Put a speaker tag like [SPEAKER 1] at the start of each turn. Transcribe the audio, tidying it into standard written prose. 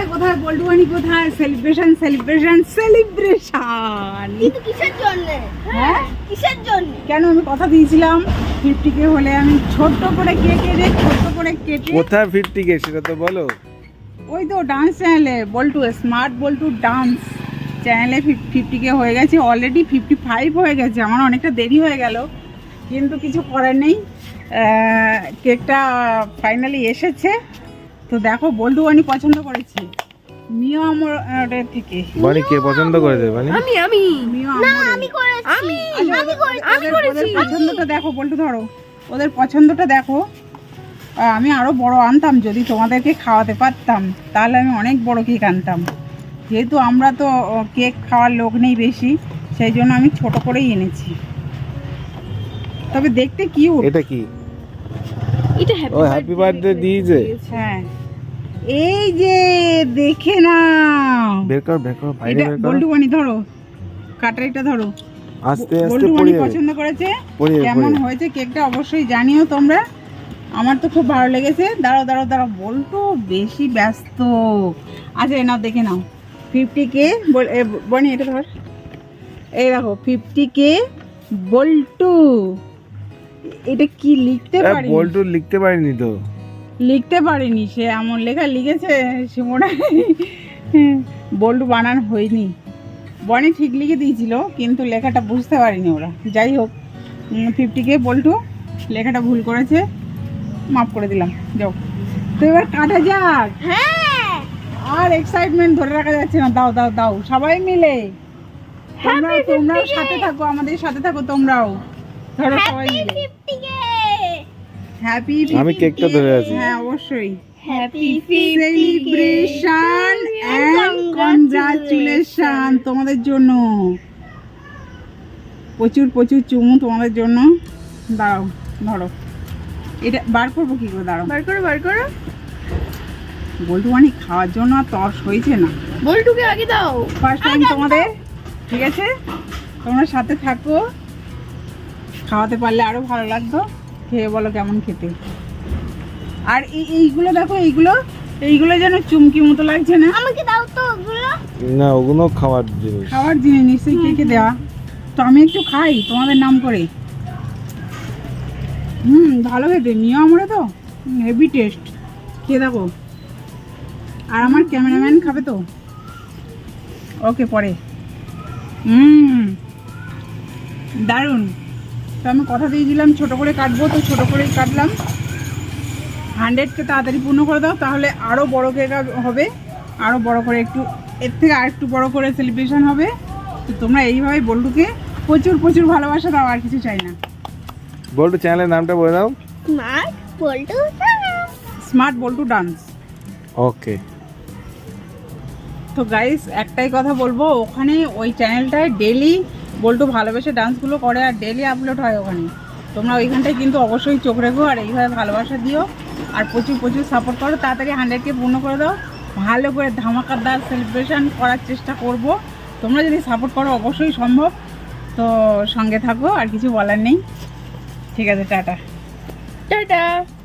[SPEAKER 1] কোথায় বল্টুয়ানি কোথায় celebration celebration celebration
[SPEAKER 2] কিন্তু কিসের জন্য?
[SPEAKER 1] হ্যাঁ
[SPEAKER 2] কিসের জন্য?
[SPEAKER 1] কেন আমি কথা দিয়েছিলাম 50K হলে আমি ছোট্ট করে কেক এনে ছোট্ট করে কেটে
[SPEAKER 3] কোথায় 50K সেটা তো বলো।
[SPEAKER 1] ওই তো ডান্স চ্যানেলে বল্টু স্মার্ট বল্টু ডান্স চ্যানেলে 50K হয়ে গেছে, অলরেডি 55 হয়ে গেছে। আমার অনেকটা দেরি হয়ে গেল, কিন্তু কিছু করার নেই। কেকটা ফাইনালি এসেছে। তো দেখো বল্টু বানি পছন্দ করেছি মিও আমার থেকে।
[SPEAKER 3] বানি কে পছন্দ করেছে বানি?
[SPEAKER 2] আমি
[SPEAKER 1] মিও
[SPEAKER 2] না,
[SPEAKER 1] আমরে।
[SPEAKER 2] আমি করেছি। আমি
[SPEAKER 1] ওদের পছন্দটা দেখো বল্টু, ধরো ওদের পছন্দটা দেখো। আমি আরো বড় আনতাম, যদি তোমাদেরকে খাওয়াতে পারতাম তাহলে আমি অনেক বড় কেক আনতাম। যেহেতু আমরা তো কেক খাওয়ার লোক নেই বেশি, সেই জন্য আমি ছোট করেই এনেছি। তবে দেখতে কিউট।
[SPEAKER 3] এটা কি?
[SPEAKER 2] এটা
[SPEAKER 3] ও হ্যাপি বার্থডে দিয়েছে।
[SPEAKER 1] হ্যাঁ এই যে দেখে না,
[SPEAKER 3] বের কর বাইরে
[SPEAKER 1] এটা
[SPEAKER 3] বের কর।
[SPEAKER 1] বল্টু বানি ধরো, কাটারিটা ধরো।
[SPEAKER 3] আস্তে আস্তে
[SPEAKER 1] বল্টু
[SPEAKER 3] পড়ে
[SPEAKER 1] বানি
[SPEAKER 3] যাবে।
[SPEAKER 1] পছন্দ করেছে।
[SPEAKER 3] পড়ে যাবে,
[SPEAKER 1] কেমন
[SPEAKER 3] পড়ে যাবে।
[SPEAKER 1] হয়েছে কেকটা অবশ্যই জানিও তোমরা। আমার তো খুব ভালো লেগেছে। দাঁড়াও বল্টু বেশি ব্যস্ত। আচ্ছা নাও দেখে নাও 50K বনি, এটা ধর। এই দেখো 50K বল্টু। এটা কি লিখতে পারি?
[SPEAKER 3] বল্টু লিখতে পারিনি তো।
[SPEAKER 1] লিখতে পারিনি, সে এমন লেখা লিখেছে সিমোনা বল্টু বানান হয়নি। বনি ঠিক লিখে দিয়েছিল, কিন্তু লেখাটা বুঝতে পারিনি ওরা। যাই হোক 50K বল্টু লেখাটা ভুল করেছে, মাফ করে দিলাম। যাও তো এবার কাটা যাক।
[SPEAKER 2] হ্যাঁ,
[SPEAKER 1] আর এক্সাইটমেন্ট ধরে রাখা যাচ্ছে না। দাও সবাই মিলে। তোমরাও সাথে থাকো, আমাদের সাথে থাকো তোমরাও। ধরো সবাই মিলে
[SPEAKER 2] 50K
[SPEAKER 1] হ্যাপি।
[SPEAKER 3] আমি কেকটা ধরে আছি।
[SPEAKER 1] হ্যাঁ অবশ্যই।
[SPEAKER 2] হ্যাপি
[SPEAKER 1] সেলিব্রেশন এন্ড কনগ্রাচুলেশন তোমাদের জন্য। প্রচুর চুমু তোমাদের জন্য। দাঁড়াও ধরো, এটা বার করবো কি করে? দাঁড়াও
[SPEAKER 2] বার করো।
[SPEAKER 1] বল্টু অনেক খাওয়ার জন্য আর তর্স হয়েছে না।
[SPEAKER 2] বল্টুকে আগে দাও।
[SPEAKER 1] ফার্স্ট টাইম তোমাদের, ঠিক আছে? তোমরা সাথে থাকো, খাওয়াতে পারলে আরো ভালো লাগতো। খেয়ে বলো কেমন খেতে। আর এইগুলো দেখো, এইগুলো যেন চুমকি মতো লাগছে না?
[SPEAKER 2] আমাকে দাও তো ওগুলো।
[SPEAKER 3] না ওগুলো খাওয়ার জিনিস।
[SPEAKER 1] খাওয়ার জিনিস নিশ্চয়ই কেকে দেওয়া। তো আমি একটু খাই তোমাদের নাম করে। ভালো খেতে নিও আমরা তো, হেভি টেস্ট। খেয়ে দেখো। আর আমার ক্যামেরাম্যান খাবে তো। ওকে পরে। দারুণ। তো আমি কথা দিয়েছিলাম ছোট করে কাটবো, তো ছোট করেই কাটলাম। 100কে তাড়াতাড়ি পূর্ণ করে দাও, তাহলে আরও বড় কেক হবে। আরও বড় করে একটু, এর থেকে আর একটু বড় করে সেলিব্রেশন হবে। তো তোমরা এইভাবে বল্টুকে প্রচুর ভালোবাসা দাও, আর কিছু চাই না।
[SPEAKER 3] বল্টু চ্যানেলের নামটা বলে দাও।
[SPEAKER 2] Smart Boltu
[SPEAKER 1] smart Boltu dance.
[SPEAKER 3] Okay.
[SPEAKER 1] তো গাইস একটাই কথা বলবো, ওখানে ওই চ্যানেলটায় ডেলি বল্টু ভালোবেসে ডান্সগুলো করে, আর ডেলি আপলোড হয় ওখানে। তোমরা ওইখানটায় কিন্তু অবশ্যই চোখ রেখো, আর এইভাবে ভালোবাসা দিও, আর প্রচুর সাপোর্ট করো। তাড়াতাড়ি 100কে পূর্ণ করে দাও। ভালো করে ধামাকাদার সেলিব্রেশন করার চেষ্টা করব। তোমরা যদি সাপোর্ট করো অবশ্যই সম্ভব। তো সঙ্গে থাকো, আর কিছু বলার নেই। ঠিক আছে, টাটা।